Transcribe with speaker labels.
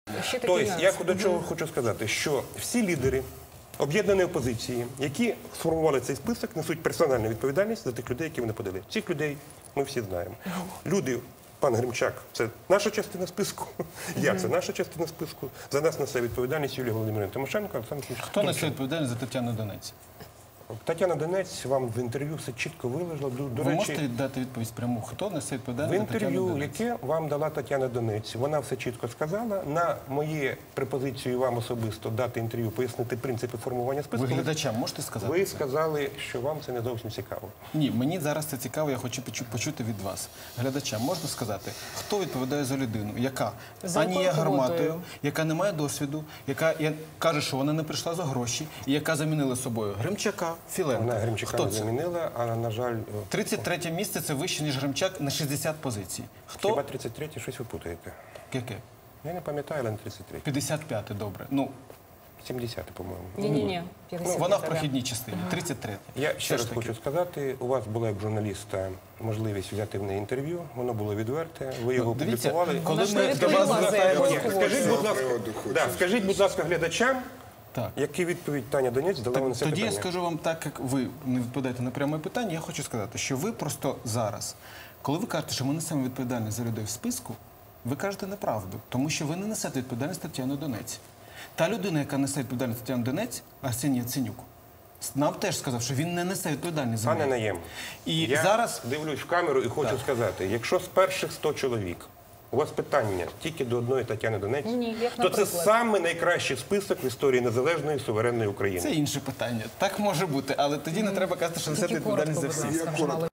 Speaker 1: Ще такі
Speaker 2: Тобто,
Speaker 1: нюанси.
Speaker 2: я до чого хочу сказати, що всі лідери об'єднаної опозиції, які сформували цей список, несуть персональну відповідальність за тих людей, які вони подали. Цих людей ми всі знаємо. Люди, пан Гримчак, це наша частина списку, я це наша частина списку. За нас несе відповідальність Юлія Володимирівна Тимошенко.
Speaker 3: Хто несе відповідальність за Тетяну Донець?
Speaker 2: Тетяна Донець вам в інтерв'ю все чітко виложила. До
Speaker 3: Ви
Speaker 2: речі,
Speaker 3: можете дати відповідь пряму? Хто несе
Speaker 2: в
Speaker 3: відповідальність за Тетяну
Speaker 2: інтерв'ю,
Speaker 3: Донець?
Speaker 2: яке вам дала Тетяна Донець, вона все чітко сказала. На мої пропозиції вам особисто дати інтерв'ю, пояснити принципи формування списку.
Speaker 3: Ви глядачам можете сказати?
Speaker 2: Ви
Speaker 3: це?
Speaker 2: сказали, що вам це не зовсім цікаво.
Speaker 3: Ні, мені зараз це цікаво, я хочу почути від вас. Глядачам можна сказати, хто відповідає за людину, яка
Speaker 1: За
Speaker 3: ані є
Speaker 1: якою
Speaker 3: гарматою,
Speaker 1: квотою?
Speaker 3: яка не має досвіду, яка каже, що вона не прийшла за гроші, і яка замінила собою Гримчака, Філенка.
Speaker 2: Вона Гримчака
Speaker 3: Хто
Speaker 2: не
Speaker 3: це?
Speaker 2: замінила, а, на жаль,
Speaker 3: 33 місце – це вище, ніж Гримчак на 60 позицій. Хто?
Speaker 2: хіба 33-й щось ви путаєте.
Speaker 3: Яке?
Speaker 2: Я не пам'ятаю, але не 33.
Speaker 3: 55-те, добре. Ну,
Speaker 2: 70-й, по-моєму.
Speaker 1: Ні.
Speaker 3: вона в прохідній частині. 33-те.
Speaker 2: Я ще
Speaker 3: Все
Speaker 2: раз
Speaker 3: ж таки.
Speaker 2: хочу сказати, у вас була як журналіста можливість взяти в неї інтерв'ю, воно було відверте, ви його
Speaker 3: Дивіться,
Speaker 2: опублікували.
Speaker 3: коли
Speaker 1: Вона ж
Speaker 3: ми
Speaker 1: не
Speaker 3: до вас
Speaker 1: відповіла за
Speaker 3: звертаємося...
Speaker 1: якою
Speaker 2: Скажіть, будь ласка,
Speaker 4: Приводу
Speaker 2: скажіть, будь ласка, глядачам,
Speaker 3: Так.
Speaker 2: які відповідь Таня Донець дала вам на це
Speaker 3: Тоді
Speaker 2: питання.
Speaker 3: я скажу вам так, як ви не відповідаєте на пряме питання, я хочу сказати, що ви просто зараз, коли ви кажете, що ми несемо відповідальність за людей в списку, ви кажете неправду, тому що ви не несете відповідальність Тетяни Донець. Та людина, яка несе відповідальність Тетяни Донець, Арсеній Яценюк, нам теж сказав, що він не несе відповідальність за
Speaker 2: Пане
Speaker 3: неї.
Speaker 2: Наєм,
Speaker 3: І
Speaker 2: я
Speaker 3: зараз...
Speaker 2: дивлюсь в камеру і хочу сказати, якщо з перших 100 чоловік у вас питання тільки до одної Тетяни Донець,
Speaker 1: Ні, як
Speaker 2: то це
Speaker 1: наприклад.
Speaker 2: саме найкращий список в історії незалежної суверенної України.
Speaker 3: Це інше питання. Так може бути, але тоді не треба казати, що несете
Speaker 1: Тільки коротко,
Speaker 3: відповідальність за
Speaker 1: будь
Speaker 3: всіх.
Speaker 1: ласка, вже мало